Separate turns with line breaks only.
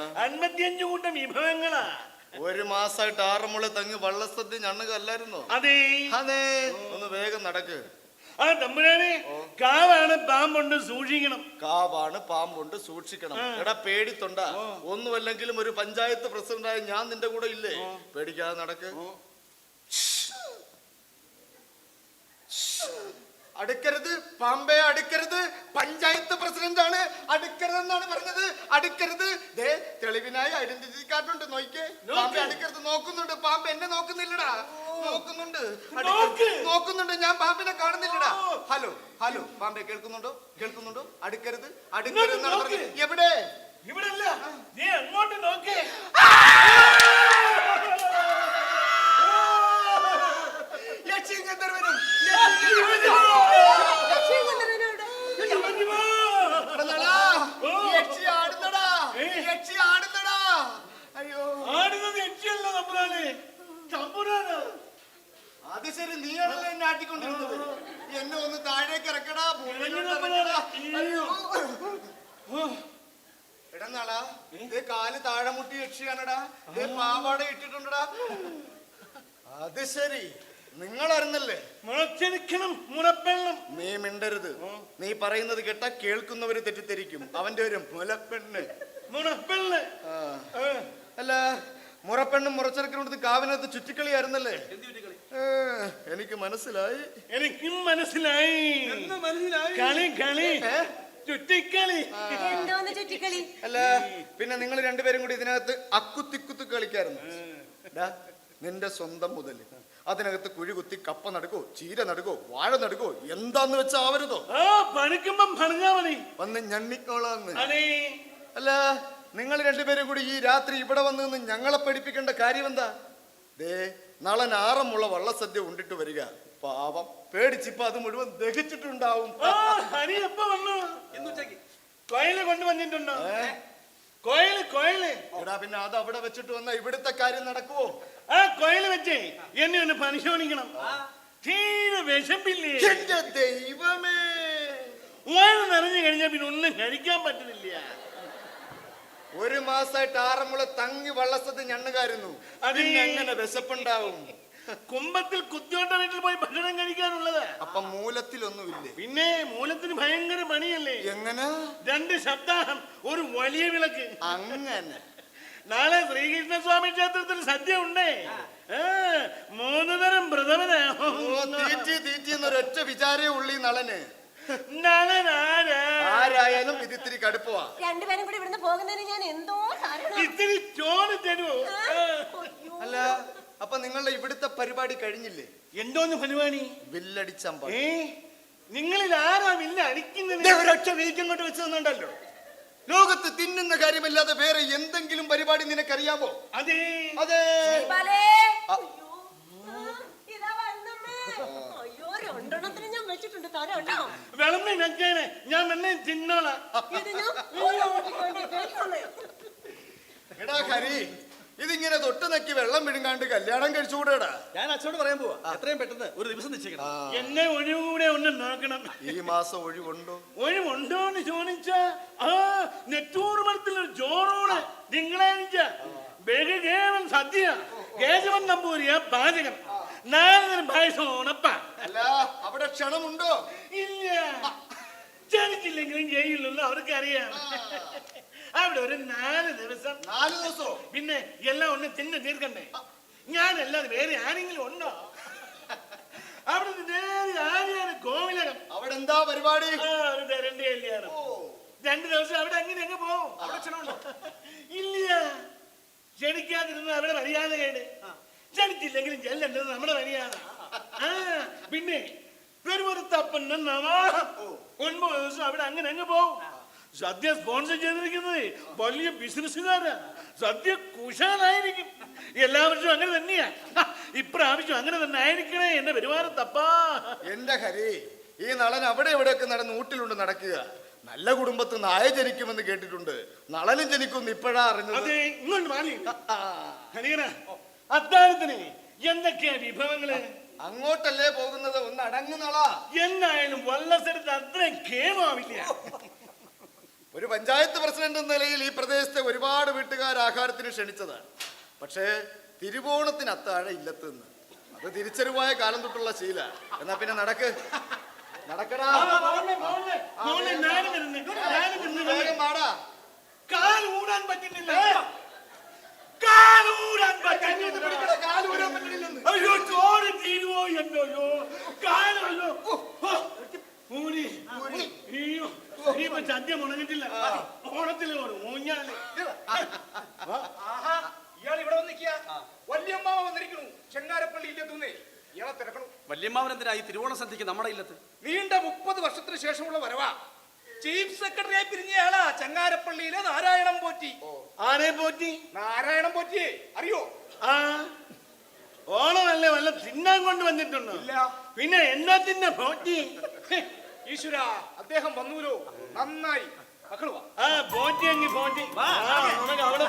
55 കൂട്ടം വിഭവങ്ങളാ.
ഒരു മാസമായിട്ട് ആറന്മുള തങ്ങി വള്ളസദ്യ ഞണ്ണുക അല്ലായിരുന്നോ?
അതെ
അതെ. ഒന്ന് വേഗം നടക്ക്.
ആ തമ്പുരാനെ, കാവാണ് പാമ്പുണ്ട് സൂക്ഷിക്കണം.
കാവാണ് പാമ്പുണ്ട് സൂക്ഷിക്കണം. എടാ പേടിത്തൊണ്ട, ഒന്നുമല്ലെങ്കിലും ഒരു പഞ്ചായത്ത് പ്രസിഡന്റായ ഞാൻ നിന്റെ കൂടെ ഇല്ലേ? പേടിക്കാതെ നടക്ക്. അടുക്കരുത് പാമ്പേ, അടുക്കരുത്. പഞ്ചായത്ത് പ്രസിഡന്റ് ആണ്, അടുക്കരുതെന്നാണ് പറഞ്ഞത്. അടുക്കരുത്. ദേ തെളിവിനായി ഐഡന്റിറ്റി കാർഡ് ഉണ്ട്, നോക്കിക്കേ. പാമ്പേ അടുക്കരുത്. നോക്കുന്നുണ്ട് പാമ്പ്, എന്നെ നോക്കുന്നില്ലടാ. നോക്കുന്നുണ്ട്, നോക്കുന്നുണ്ട്. ഞാൻ പാമ്പിനെ കാണുന്നില്ലടാ. ഹലോ ഹലോ പാമ്പേ, കേൾക്കുന്നുണ്ടോ? കേൾക്കുന്നുണ്ടോ? അടുക്കരുത്, അടുക്കരുത് എന്നാണ് പറഞ്ഞത്. എവിടെ?
ഇവിടെ അല്ല, നീ അങ്ങോട്ട് നോക്കേ.
അത് ശരി, നീയാണല്ലോ എന്നെ ആട്ടിക്കൊണ്ടിരുന്നത്. എന്നെ ഒന്ന് താഴേക്ക് ഇറക്കടാ. എടന്നാളാ, ഇതേ കാല് താഴെ മുട്ടി യക്ഷിയാണടാ. ഇതേ പാവാട ഇട്ടിട്ടുണ്ടടാ. അത് ശരി, നിങ്ങൾ അറിഞ്ഞല്ലേ?
മുളച്ചെടുക്കണം മുളപ്പെണ്ണം.
നീ മിണ്ടരുത്. നീ പറയുന്നത് കേട്ടാ കേൾക്കുന്നവര് തെറ്റിദ്ധരിക്കും. അവന്റെ ഒരു മുലപ്പെണ്ണ്.
മുളപ്പെണ്ണ്
അല്ല, മുറപ്പെണ്ണും മുറച്ചെടുക്കണത് കാവിനകത്ത് ചുറ്റിക്കളിയായിരുന്നല്ലേ? എനിക്ക് മനസ്സിലായി.
എനിക്കും മനസ്സിലായി. കളി കളി ചുറ്റിക്കളി.
അല്ല, പിന്നെ നിങ്ങൾ രണ്ടുപേരും കൂടി ഇതിനകത്ത് അക്കുത്തിക്കുത്ത് കളിക്കായിരുന്നു. നിന്റെ സ്വന്തം മുതല് അതിനകത്ത് കുഴി കുത്തി കപ്പ നടുക്കോ, ചീര നടുക്കോ, വാഴ നടുക്കോ, എന്താന്ന് വെച്ചാ ആവരുതോ?
പണിക്കുമ്പം പറഞ്ഞാ മതി,
വന്ന് ഞണ്ണിക്കോളാന്ന്. അല്ല, നിങ്ങൾ രണ്ടുപേരും കൂടി ഈ രാത്രി ഇവിടെ വന്ന് നിന്ന് ഞങ്ങളെ പഠിപ്പിക്കേണ്ട കാര്യം എന്താ? ദേ നാളെ ആറന്മുള വള്ളസദ്യ ഉണ്ടിട്ട് വരിക. പാവം പേടിച്ചിപ്പോ അത് മുഴുവൻ ദഹിച്ചിട്ടുണ്ടാവും.
കോയില് കൊണ്ടുവന്നിട്ടുണ്ടോ? കോയില് കോയില്.
എടാ, പിന്നെ അത് അവിടെ വെച്ചിട്ട് വന്ന ഇവിടുത്തെ കാര്യം നടക്കുവോ?
ആ കോയില് വെച്ചേ എന്നെ ഒന്ന് പരിശോധിക്കണം. തീരെ വിശപ്പില്ലേ?
എന്റെ ദൈവമേ,
വയറ് നിറഞ്ഞു കഴിഞ്ഞാൽ പിന്നെ ഒന്നും കഴിക്കാൻ പറ്റുന്നില്ല.
ഒരു മാസമായിട്ട് ആറന്മുള തങ്ങി വള്ളസദ്യ ഞണ്ണുകാരുന്നു. അതിനെങ്ങനെ വിശപ്പുണ്ടാവും?
കുമ്പത്തിൽ കുത്തിയോട്ട വീട്ടിൽ പോയി ഭക്ഷണം കഴിക്കാനുള്ളത്.
അപ്പൊ മൂലത്തിലൊന്നുമില്ലേ?
പിന്നെ മൂലത്തിന് ഭയങ്കര പണിയല്ലേ?
എങ്ങനെ?
2 സപ്താഹം ഒരു വലിയ വിളക്ക്.
അങ്ങനെ
നാളെ ശ്രീകൃഷ്ണസ്വാമി ക്ഷേത്രത്തിൽ സദ്യ ഉണ്ടേ. 3 തരം വ്രതമനാ.
തീറ്റി എന്നൊരൊറ്റ വിചാരേ ഉള്ളി നളന്.
ആരായാലും
ഇത് ഇത്തിരി കടുപ്പവാ.
രണ്ടുപേരും കൂടി ഇവിടുന്ന് പോകുന്നതിന് ഞാൻ എന്തോ
ഇത്തിരി ചോറ് തരുമോ?
അല്ല, അപ്പൊ നിങ്ങളുടെ ഇവിടുത്തെ പരിപാടി കഴിഞ്ഞില്ലേ?
എന്തോന്ന് പരിപാടി?
വില്ലടിച്ചമ്പ.
നിങ്ങളിൽ ആരാ വില്ല അടിക്കുന്നത്?
ഒരൊറ്റ വീക്കം കൊണ്ട് വെച്ച് തന്നുണ്ടല്ലോ. ലോകത്ത് തിന്നുന്ന കാര്യമല്ലാതെ വേറെ എന്തെങ്കിലും പരിപാടി നിനക്കറിയാമോ?
അതെ
അതെ.
വിളമ്പി വെച്ചേനെ, ഞാൻ എന്നെ തിന്നോളാം.
എടാ ഹരി, ഇതിങ്ങനെ തൊട്ട് നക്കി വെള്ളം വിഴുങ്ങാണ്ട് കല്യാണം കഴിച്ചുകൂടാ.
ഞാൻ അച്ഛനോട് പറയാൻ പോവാ, എത്രയും പെട്ടെന്ന് ഒരു ദിവസം നിശ്ചയിക്കണം.
എന്നെ ഒഴിവുകൂടെ ഒന്ന് നോക്കണം.
ഈ മാസം ഒഴിവുണ്ടോ?
ഒഴിവുണ്ടോ എന്ന് ചോദിച്ചാ നെറ്റൂർമലത്തിലൊരു ചോറോട് തിങ്കളാഴ്ച ബഹുകേവൻ സദ്യ. കേശവൻ നമ്പൂരിയ പാചകം. 4 തരം പായസം ഉണപ്പ.
അല്ല, അവിടെ ക്ഷണമുണ്ടോ?
ഇല്ല, ക്ഷണിച്ചില്ലെങ്കിലും ചെയ്യില്ലല്ലോ, അവർക്കറിയാം. അവിടെ ഒരു 4 ദിവസം.
4 ദിവസോ?
പിന്നെ എല്ലാം ഒന്ന് തിന്ന് തീർക്കണ്ടേ? ഞാനല്ലാതെ വേറെ ആരെങ്കിലും ഉണ്ടോ? അവിടെ നേരെ ആര്യാണ് കോവിലകം.
അവിടെ എന്താ പരിപാടി?
ഒരു തരണ്ട കല്യാണം. 2 ദിവസം അവിടെ അങ്ങനെ അങ്ങ് പോവും. അവിടെ ക്ഷണമുണ്ടോ? ഇല്ല, ക്ഷണിക്കാതിരുന്ന അവിടെ മര്യാദ കേട്. ക്ഷണിച്ചില്ലെങ്കിലും ചെല്ലേണ്ടത് നമ്മുടെ മര്യാദ. പിന്നെ പെരുമുറത്തപ്പൻ 9 ദിവസം അവിടെ അങ്ങനെ അങ്ങ് പോവും. സദ്യ സ്പോൺസർ ചെയ്തിരിക്കുന്നത് വലിയ ബിസിനസ്സുകാരാ. സദ്യ കുശാലായിരിക്കും. എല്ലാ വർഷവും അങ്ങനെ തന്നെയാ. ഇപ്രാവശ്യം അങ്ങനെ തന്നെ ആയിരിക്കണേ എന്റെ പെരുമാറത്തപ്പാ.
എന്റെ ഹരി, ഈ നളൻ അവിടെ എവിടെയൊക്കെ നടന്ന് ഊട്ടിലുണ്ട് നടക്കുക. നല്ല കുടുംബത്ത് നായ ജനിക്കുമെന്ന് കേട്ടിട്ടുണ്ട്. നളനും ജനിക്കുമെന്ന് ഇപ്പോഴാ അറിഞ്ഞത്.
അതെ, ഇങ്ങോട്ട് മാറി. അത്താഴത്തിന് എന്തൊക്കെയാ വിഭവങ്ങള്?
അങ്ങോട്ടല്ലേ പോകുന്നത്? ഒന്ന് അടങ്ങുന്നളാ.
എന്നായാലും വള്ളസരത്ത് അത്രയും കേമാവില്ല.
ഒരു പഞ്ചായത്ത് പ്രസിഡന്റ് എന്ന നിലയിൽ ഈ പ്രദേശത്തെ ഒരുപാട് വീട്ടുകാർ ആഹാരത്തിന് ക്ഷണിച്ചതാണ്. പക്ഷേ തിരുവോണത്തിന് അത്താഴം ഇല്ലത്തുനിന്ന് അത് തിരിച്ചറിവായ കാലം തൊട്ടുള്ള ശീല. എന്നാ പിന്നെ നടക്കടാ. വേഗം വാടാ.
കാലൂരാൻ പറ്റുന്നില്ല. അയ്യോ ചോറ് തീരുവോ എന്നോ കാലല്ലോ. ഇനിയിപ്പോ സദ്യ മുടങ്ങിട്ടില്ല. ഓണത്തില് ഊഞ്ഞാല്.
ഇയാൾ ഇവിടെ വന്നിരിക്കുക. വല്യമ്മാവ വന്നിരിക്കണു. ചെങ്ങാരപ്പള്ളി ഇല്ലെത്തുന്നേ. ഇയാളെ തിരക്കണു.
വല്യമ്മാവൻ എന്തിനാ ഈ തിരുവോണ സദ്യക്ക് നമ്മുടെ ഇല്ലത്ത്?
നീണ്ട 30 വർഷത്തിന് ശേഷമുള്ള വരവാ. ചീഫ് സെക്രട്ടറിയായി പിരിഞ്ഞയാളാ ചെങ്ങാരപ്പള്ളിയിലെ നാരായണം പോറ്റി.
ആരെ പോറ്റി?
നാരായണം പോറ്റിയെ അറിയോ?
ആ ഓണമല്ലേ വല്ല തിന്നാൻ കൊണ്ട് വന്നിട്ടുണ്ടോ?
ഇല്ല.
പിന്നെ എന്നത്തിന്റെ പോറ്റി?
ഈശ്വര, അദ്ദേഹം വന്നൂലോ, നന്നായി. മക്കളുവാ.
ആ പോറ്റി എങ്കിൽ പോറ്റി. അവിടെ